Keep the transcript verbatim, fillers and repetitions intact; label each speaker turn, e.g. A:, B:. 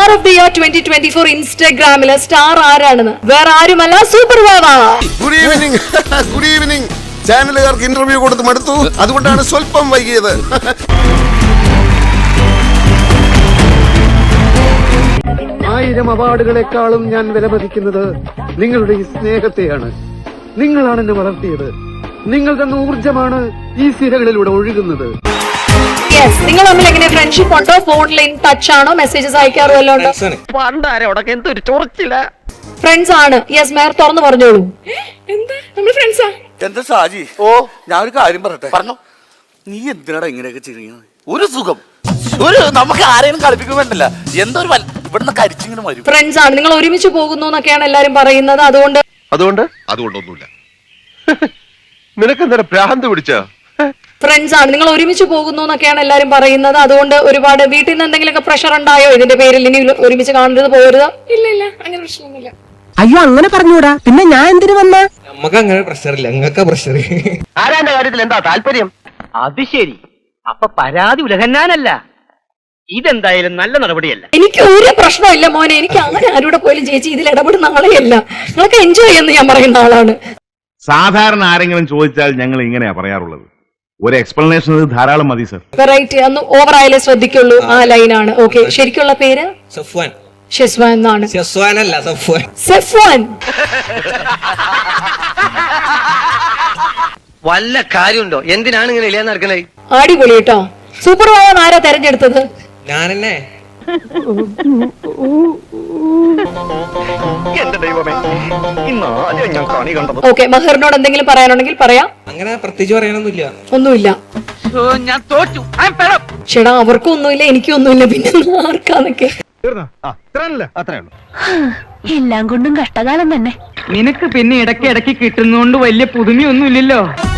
A: Star of the year twenty twenty four ഇൻസ്റ്റാഗ്രാമിലെ star ആരാണെന്ന് വേറെ ആരുമല്ല സൂപ്പർ വാവ.
B: Good evening. Good evening. ചാനലുകാർക്ക് ഇന്റർവ്യൂ കൊടുത്ത് മടുത്തു, അതുകൊണ്ടാണ് സ്വല്പം വൈകിയത്.
C: ആയിരം അവാർഡുകളെക്കാളും ഞാൻ വിലമതിക്കുന്നത് നിങ്ങളുടെ ഈ സ്നേഹത്തെയാണ്. നിങ്ങളാണ് എന്നെ വളർത്തിയത്. നിങ്ങൾ തന്ന ഊർജമാണ് ഈ സിരകളിലൂടെ ഒഴുകുന്നത്.
A: യെസ്, നിങ്ങൾ തമ്മിൽ എങ്ങനെ ഫ്രണ്ട്ഷിപ്പ് ഉണ്ടോ? ഫോണിൽ ഇൻ ടച്ച് ആണോ? മെസ്സേജസ് അയക്കാറോ വല്ലതും ഉണ്ടോ? ഫ്രണ്ട്സ് ആണ്. യെസ്, മേയർ തുറന്നു പറഞ്ഞോളൂ.
D: എന്താ നമ്മൾ ഫ്രണ്ട്സാ?
E: എന്താ ഷാജി? ഓ, ഞാൻ ഒരു കാര്യം പറയട്ടെ. പറഞ്ഞു. നീ എന്തിനാടാ ഇങ്ങനെയൊക്കെ ചെയ്യുന്നത്? ഒരു സുഖം, ഒരു നമുക്ക് ആരെയും കളിപ്പിക്കുമ്പോണ്ടല്ല എന്തോ ഒരു ഇവിടുന്ന് കരിച്ചിങ്ങനെ വരും.
A: ഫ്രണ്ട്സ് ആണ്. നിങ്ങൾ ഒരുമിച്ച് പോകുന്നു എന്നൊക്കെയാണ് എല്ലാരും പറയുന്നത്. അതുകൊണ്ട്
B: അതുകൊണ്ട് അതുകൊണ്ടൊന്നുമില്ല. നിനക്കെന്താ ഭ്രാന്ത് പിടിച്ച?
A: ഫ്രണ്ട്സ് ആണ്. നിങ്ങൾ ഒരുമിച്ച് പോകുന്നു എന്നൊക്കെയാണ് എല്ലാരും പറയുന്നത്. അതുകൊണ്ട് ഒരുപാട് വീട്ടിൽ നിന്ന് എന്തെങ്കിലുമൊക്കെ പ്രഷർ ഉണ്ടായോ ഇതിന്റെ പേരിൽ? ഇനി ഒരുമിച്ച് കാണരുത്, പോകരുത്?
D: ഇല്ല ഇല്ല, അങ്ങനെ പ്രശ്നമൊന്നുമില്ല.
F: അയ്യോ, അങ്ങനെ പറഞ്ഞൂടാ. പിന്നെ ഞാൻ എന്തിനു വന്ന?
G: നമുക്ക് അങ്ങനെ പ്രഷറില്ല, നിങ്ങൾക്ക് പ്രഷർ.
C: ആരാന്റെ കാര്യത്തിൽ എന്താ താല്പര്യം? അത് ശരി. അപ്പൊ പരാതി ഉലഹന്നാനല്ല. ഇതെന്തായാലും നല്ല നടപടിയല്ല.
A: എനിക്ക് ഒരു പ്രശ്നമില്ല മോനെ. എനിക്ക് അങ്ങനെ ആരുടെ പോലും ചേച്ചി ഇതിൽ ഇടപെടുന്ന ആളെയല്ല. നിങ്ങൾക്ക് എൻജോയ് ചെയ്യുന്ന ഞാൻ പറയുന്ന ആളാണ്.
H: സാധാരണ ആരെങ്കിലും ചോദിച്ചാൽ ഞങ്ങൾ ഇങ്ങനെയാ പറയാറുള്ളത്. ഒരു എക്സ്പ്ലനേഷൻ ധാരാളം മതി സർ.
A: വെറൈറ്റി ഒന്ന് ഓവർ ആയാലേ ശ്രദ്ധിക്കുള്ളൂ. ആ ലൈനാണ്. ഓക്കെ, ശരിക്കുള്ള പേര്
G: സഫ്വാൻ.
A: ഷെസ്വാൻ എന്നാണ്.
G: സഫ്വാൻ അല്ല, സഫ്വാൻ.
A: സെഫ്വാൻ.
C: വല്ല കാര്യമുണ്ടോ? എന്തിനാണ് ഇങ്ങനെ ഇല്ലാന്ന് നടക്കണേ?
A: അടിപൊളി കേട്ടോ. സൂപ്പർ വാവൻ ആരാ തെരഞ്ഞെടുത്തത്?
G: ഞാനെന്നെ.
A: ഓക്കെ, മഹറിനോട് എന്തെങ്കിലും പറയാനുണ്ടെങ്കിൽ പറയാം.
G: അങ്ങനെ പ്രത്യേകിച്ച് പറയാനൊന്നുമില്ല.
A: ഒന്നുമില്ല.
C: ഞാൻ തോറ്റു.
A: ചേടാ, അവർക്കും ഒന്നുമില്ല, എനിക്കും ഒന്നുമില്ല, പിന്നെ ആർക്കാന്നൊക്കെ.
I: എല്ലാം കൊണ്ടും കഷ്ടകാലം തന്നെ.
F: നിനക്ക് പിന്നെ ഇടയ്ക്ക് ഇടയ്ക്ക് കിട്ടുന്നോണ്ട് വലിയ പുതുമയൊന്നുമില്ലല്ലോ.